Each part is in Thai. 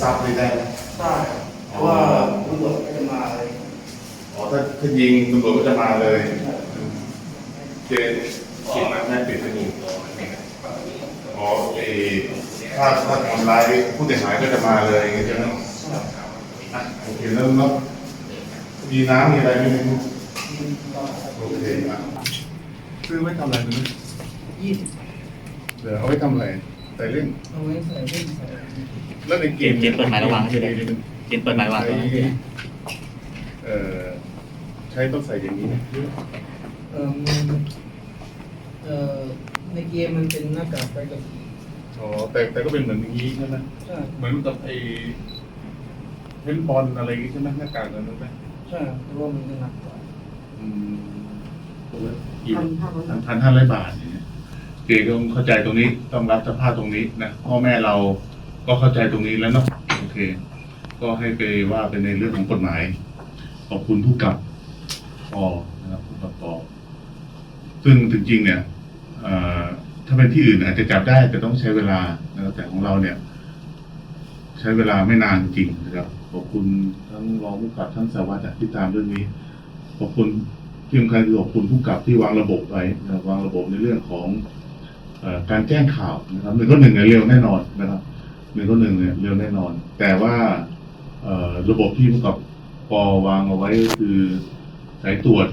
ซับไม่ได้ไหมได้เพราะว่าตำรวจก็จะมาอะไรอ๋อถ้ายิงตำรวจก็จะมาเลยเจขีดมาแม่ปิดไม่มีอ๋อถ้าทำร้ายผู้เสียหายก็จะมาเลยอย่างเงี้ยใช่ไหมโอเคแล้วมีน้ำมีอะไรไหมโอเคซื้อไว้ทำอะไรนึงเดี๋ยวเอาไว้ทำอะไรใส่เล่นเอาไว้ใส่เล่นใส่แล้วในเกมเปิดหมายระวังใช่ไหมเกมเปิดหมายระวังใช้ต้องใส่อย่างนี้เออในเกมมันเป็นหน้ากากไปกับอ๋อแต่ก็เป็นเหมือนอย่างนี้ใช่ไหมใช่เหมือนกับไอ้เล่นบอลอะไรอย่างนี้ใช่ไหมหน้ากากนั้นไหมใช่แต่ว่ามันจะหนักกว่า 1,500 บาทเนี่ยเก๋ก็ต้องเข้าใจตรงนี้ต้องรับสภาพตรงนี้นะพ่อแม่เราก็เข้าใจตรงนี้แล้วเนาะโอเคก็ให้ไปว่าเป็นในเรื่องของกฎหมายขอบคุณผู้กับปอนะครับผู้กับปอซึ่งจริงๆเนี่ยถ้าเป็นที่อื่นอาจจะจับได้แต่ต้องใช้เวลานะครับแต่ของเราเนี่ยใช้เวลาไม่นานจริงนะครับขอบคุณทั้งรองผู้กับทั้งสารวัตรที่ตามเรื่องนี้ขอบคุณที่สำคัญคือขอบคุณผู้กับที่วางระบบไว้นะครับวางระบบในเรื่องของการแจ้งข่าวนะครับ111เนี่ยเร็วแน่นอนนะครับ111เนี่ยเร็วแน่นอนแต่ว่าระบบที่ผู้กับปอวางเอาไว้ก็คือสายตรวจ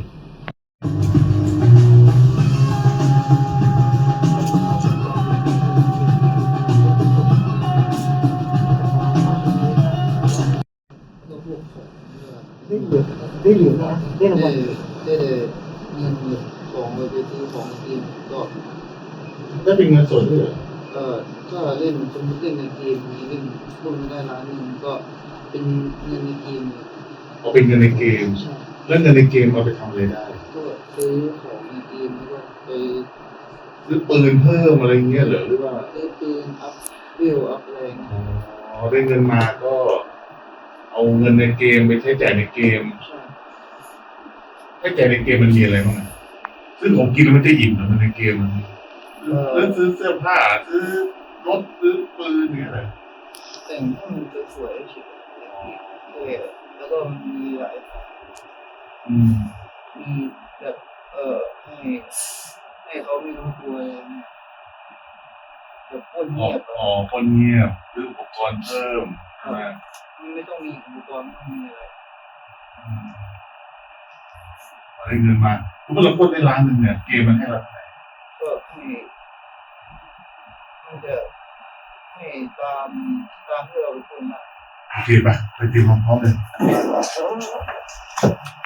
ได้เหลือนะได้รางวัลได้เงินของไปซื้อของกินก็ได้เป็นเงินสดด้วยเหรอก็เล่นสมมติเล่นในเกมนี้เล่นรุ่นได้ล้านหนึ่งก็เป็นเงินในเกมเอาเป็นเงินในเกมแล้วเงินในเกมเอาไปทำอะไรได้ก็ซื้อของในเกมแล้วก็ไปซื้อปืนเพิ่มอะไรเงี้ยเหรอหรือว่าซื้อปืนอัพเวลอัพอะไรอ๋อได้เงินมาก็เอาเงินในเกมไปใช้จ่ายในเกมใช้จ่ายในเกมมันมีอะไรบ้างซึ่งผมกินแล้วมันจะอิ่มนะในเกมมันซื้อเสื้อผ้าซื้อรถซื้อปืนเนี่ยอะไรแต่งให้มันสวยๆเฉยแล้วก็มีหลายมีแบบให้เขาไม่รู้ตัวอะไรเนี่ยแบบคนเงียบคนเงียบซื้ออุปกรณ์เพิ่มใช่ไหมไม่ต้องมีอุปกรณ์ไม่ต้องมีอะไรได้เงินมาคุณเราพูดได้ล้านหนึ่งเนี่ยเกมมันให้เราก็ให้ตามที่เราเป็นคนมาโอเคป่ะไปตีพร้อมๆเลย